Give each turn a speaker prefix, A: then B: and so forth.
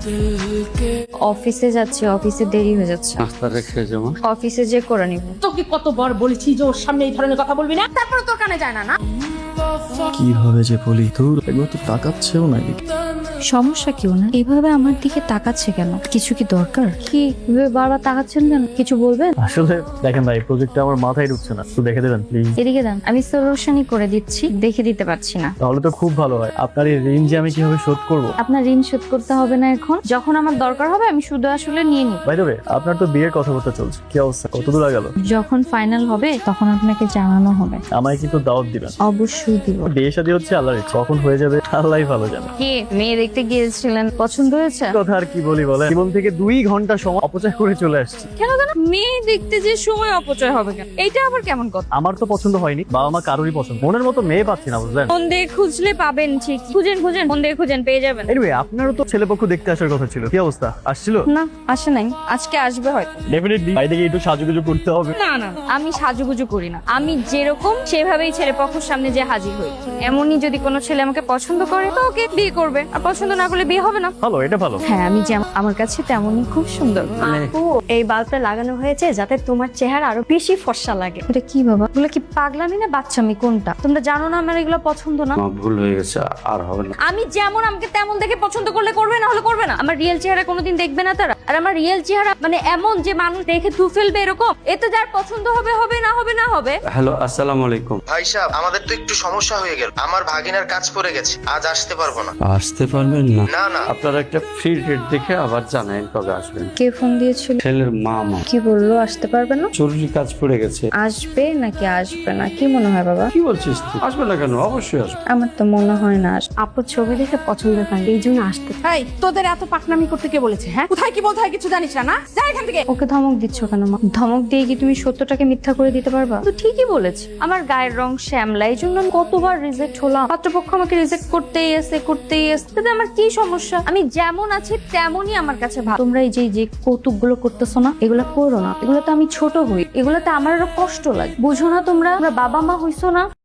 A: অফিসে যাচ্ছি, অফিসে দেরি হয়ে যাচ্ছে।
B: নাস্তা রেখে যাবো।
A: অফিসে যে করে নিব।
C: তোকে কতবার বলেছি যে ওর সামনে এই ধরনের কথা বলবি না, তারপরে তোর কানে যায় না না।
D: কিভাবে যে বলি তোর এগুলো তো তাকাচ্ছেও নাকি।
A: সমস্যা কি না এভাবে আমার দিকে তাকাচ্ছে কেন? কিছু কি দরকার? কি এভাবে বারবার তাকাচ্ছেন কেন? কিছু বলবেন?
D: আসলে দেখেন ভাই, প্রজেক্টটা আমার মাথায় ঢুকছে না, একটু দেখে দেবেন প্লিজ।
A: এদিকে দেন, আমি সলিউশনই করে দিচ্ছি, দেখে দিতে পারছি না।
D: তাহলে তো খুব ভালো হয়। আপনার এই ঋণ যে আমি কিভাবে শোধ করবো?
A: আপনার ঋণ শোধ করতে হবে না এখন, যখন আমার দরকার হবে আমি শুধু আসলে নিয়ে নিব।
D: বাই দ্য ওয়ে, আপনার তো বিয়ের কথাবার্তা চলছে, কি অবস্থা, কত দূর গেল?
A: যখন ফাইনাল হবে তখন আপনাকে জানানো হবে।
D: আমায় কিন্তু দাওয়াত দিবেন।
A: অবশ্যই দিব।
D: বিয়ে শাদী হচ্ছে আল্লাহর ইচ্ছা, কখন হয়ে যাবে আল্লাহই ভালো জানে।
A: কি মেয়ে দেখতে গিয়েছিলেন, পছন্দ হয়েছে?
D: কথা আর কি বলি বলে, জীবন থেকে 2 ঘন্টা সময় অপচয় করে চলে আসছি।
A: কেন কেন মেয়ে দেখতে যে সময় অপচয় হবে কেন? এইটা আবার কেমন কথা?
D: আমার তো পছন্দ হয়নি, বাবা মা কারোরই পছন্দ, মনের মতো মেয়ে পাচ্ছি না, বুঝলেন?
A: ফোন দিয়ে খুঁজলে পাবেন, ঠিক খুঁজেন খুঁজেন, ফোন দিয়ে খুঁজেন, পেয়ে যাবেন।
D: এনিওয়ে, আপনারও তো ছেলেপক্ষ দেখতে আসার কথা ছিল, কি অবস্থা, আসছিল?
A: না আসে নাই, আজকে আসবে হয়তো।
D: ডেফিনেটলি বাইরে গিয়ে একটু সাজুগুজু করতে হবে।
A: না না আমি সাজুগুজু করি না, আমি যেরকম সেভাবেই ছেলে পক্ষের সামনে যে হাজির হই। এমনই যদি কোনো ছেলে আমাকে পছন্দ করে তো ওকে বিয়ে করবে, আর পছন্দ না করলে বিয়ে হবে না।
D: ভালো, এটা ভালো।
A: হ্যাঁ আমি যেমন আমার কাছে তেমনই খুব সুন্দর।
E: আপু, এই বাল্বটা লাগানো হয়েছে যাতে তোমার চেহারা আরো বেশি ফর্সা লাগে।
A: এটা কি বাবা, এগুলো কি পাগলামি না বাচ্চামি কোনটা? তোমরা জানো না আমার এগুলো পছন্দ না।
B: আমার ভুল হয়ে গেছে, আর হবে না।
A: আমি যেমন আমাকে তেমন দেখে পছন্দ করলে করবে, না হলে করবে না। আমার রিয়েল চেহারা কোনোদিন দেখবে না তারা। আর আমার রিয়েল চেহারা মানে এমন যে মানুষ দেখে থু ফেলবে এরকম, এতে যার পছন্দ হবে হবে, না হবে না হবে।
B: হ্যালো, আসসালামু আলাইকুম।
F: ভাই সাহেব, আমাদের তো একটু সমস্যা হয়ে গেল। আমার ভাগিনার কাজ পড়ে গেছে, আজ আসতে পারবো না।
B: আসতে পারবেন না?
F: না না,
B: আপনারা একটা ফ্রি ডেট দেখে আবার জানেন কবে আসবেন।
A: কে ফোন দিয়েছিল?
B: ছেলের মামা।
A: কি বললো আসতে পারবে না?
B: জরুরি কাজ পড়ে গেছে।
A: আসবে নাকি আসবে না কি মনে হয় বাবা?
B: কি বলছিস তুই? আসবে না কেন? অবশ্যই আসবে।
A: আমার তো মনে হয় না আসবে।
E: আপুর ছবি দেখে পছন্দ হয়, এই জন্য আসতে।
C: এই তোদের এত পাকনামি করতে কে বলেছে? হ্যাঁ, কোথায় কি বলতে হয় কিছু জানিস না না? যা এখান থেকে।
A: ওকে ধমক দিচ্ছ কেন মা? ধমক দিয়ে কি তুমি সত্যটাকে মিথ্যা করে দিতে পারবা? তো ঠিকই বলেছে, আমার গায়ের রং শ্যামলা, এই জন্য আমি কতবার রিজেক্ট হলাম। পাত্রপক্ষ আমাকে রিজেক্ট করতেই এসে তাতে আমার কি সমস্যা? আমি যেমন আছি তেমনই আমার কাছে ভালো। তোমরা এই যে কৌতুক গুলো করতেছো না, এগুলো করো না। এগুলোতে আমি ছোট হই, এগুলোতে আমার আরো কষ্ট লাগে। বুঝো না তোমরা বাবা মা হইছো না।